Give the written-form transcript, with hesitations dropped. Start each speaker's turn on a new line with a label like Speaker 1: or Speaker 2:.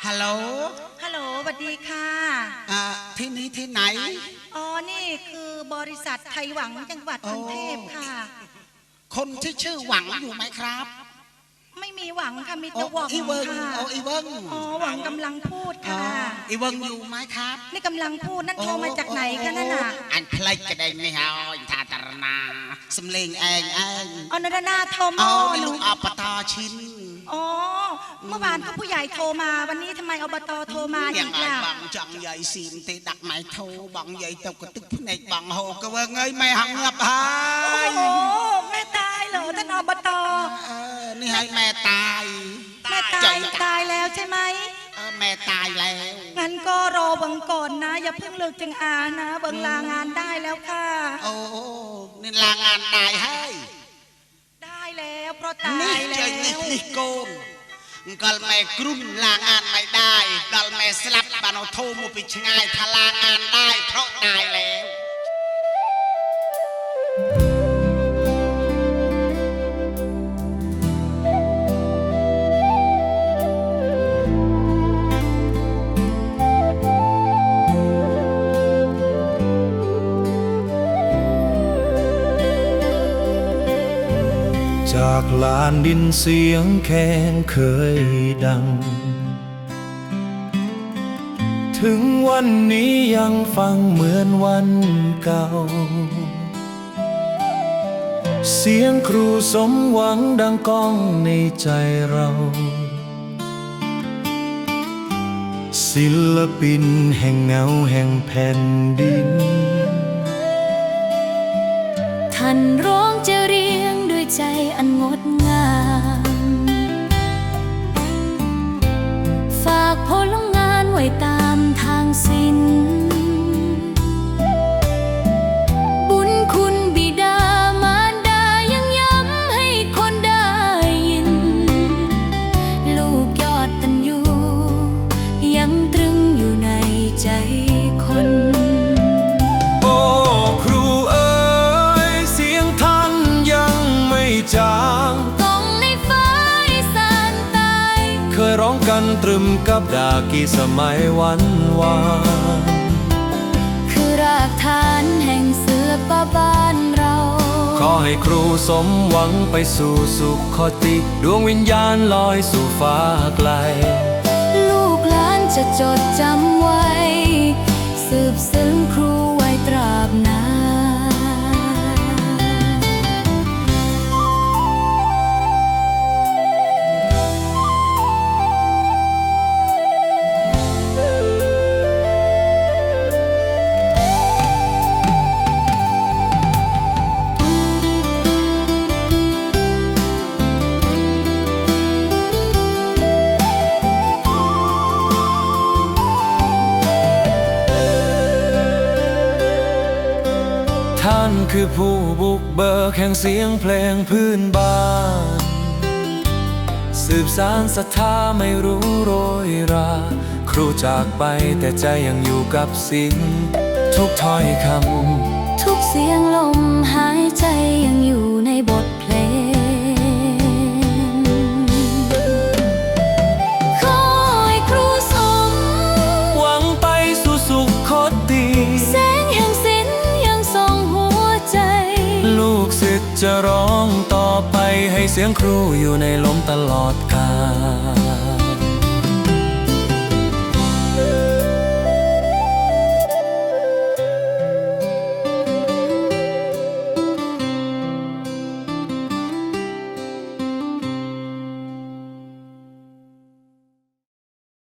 Speaker 1: ฮัลโหล
Speaker 2: ฮัลโหลสวัสดีค่ะ
Speaker 1: ที่นี้ที่ไหน
Speaker 2: อ๋อนี่คือบริษัทไทยหวังจังหวัดกรุงเทพค่ะ
Speaker 1: คนที่ชื่อหวังอยู่ไหมครับ
Speaker 2: ไม่มีหวังค่ะมีแต่หวังค่ะ
Speaker 1: อีเวิง
Speaker 2: อ๋อหวังกำลังพูดค่ะ
Speaker 1: อีเวิงอยู่ไหมครับ
Speaker 2: นี่กำลังพูดนั่นโทรมาจากไหนคะนั่นน่ะ
Speaker 1: อันเพลงกระเด็นไม่เอาทาตรนาสำเร็งเอง
Speaker 2: อ๋อนนาโทรมา
Speaker 1: ลูกอบตชิน
Speaker 2: อ๋อเมื่อวานก็ผู้ใหญ่โทรมาวันนี้ทำไมอบตโทรมาอีกล่ะ
Speaker 1: บังจังใหญ่ซีมตีดักไม้โทรบังใหญ่ตกกระตึกพเนกบังโหก็ว่าเงยไม่หังเงียบหาย
Speaker 2: โอ้แม่ตายเหรอท่านอบต
Speaker 1: นี่ให้แม่ตาย
Speaker 2: แม่ตายแล้วใช่ไหม
Speaker 1: แม่ตายแล้ว
Speaker 2: งั้นก็รอบังก่อนนะอย่าเพิ่งเลิกจึงอานะบังลางานได้แล้วค่ะ
Speaker 1: โอ้นี่ลางานได้ให้
Speaker 2: ได้แล้วเพราะตายแล้ว
Speaker 1: นี่โกนก็แม่กรุ่มลางานไม่ได้ก็แม่สลับบานโทมุปิชง่ายทลางานได้เพราะตายแล้ว
Speaker 3: จากลานดินเสียงแค้นเคยดังถึงวันนี้ยังฟังเหมือนวันเก่าเสียงครูสมหวังดังก้องในใจเราศิลปินแห่งเงาแห่งแผ่นดิน
Speaker 4: ท่านร้องจะเรียงด้วยใจอันงดงามฝากผลงานไว้ตามทางศิลป์บุญคุณบิดามารดายังย้ำให้คนได้ยินลูกยอดตัญญูยังตรึงอยู่ในใจคน
Speaker 3: จาง
Speaker 4: ต้องในฟ้าอีสานใต้
Speaker 3: เคยร้องกันตรึมกับดากี่สมัยวันวาน
Speaker 4: คือรากฐานแห่งเสือป่าบ้านเรา
Speaker 3: ขอให้ครูสมหวังไปสู่สุขติดวงวิญญาณลอยสู่ฟ้าไกล
Speaker 4: ลูกหลานจะจดจำไว้สืบซึ้งครูไว้ตราบนาน
Speaker 3: ท่านคือผู้บุกเบิกแห่งเสียงเพลงพื้นบ้านสืบสานศรัทธาไม่รู้โรยราครูจากไปแต่ใจยังอยู่กับสิ่งทุกถ้อยค
Speaker 4: ำทุกเสียงลมหายใจยังอยู่ในบทเพลงขอให้ครูสม
Speaker 3: หวังไปสู่สุขติ
Speaker 4: แสงแห่งศิลป์ยังส่องหัวใจ
Speaker 3: ลูกศิษย์จะร้องต่อไปให้เสียงครูอยู่ในลมตลอดกาล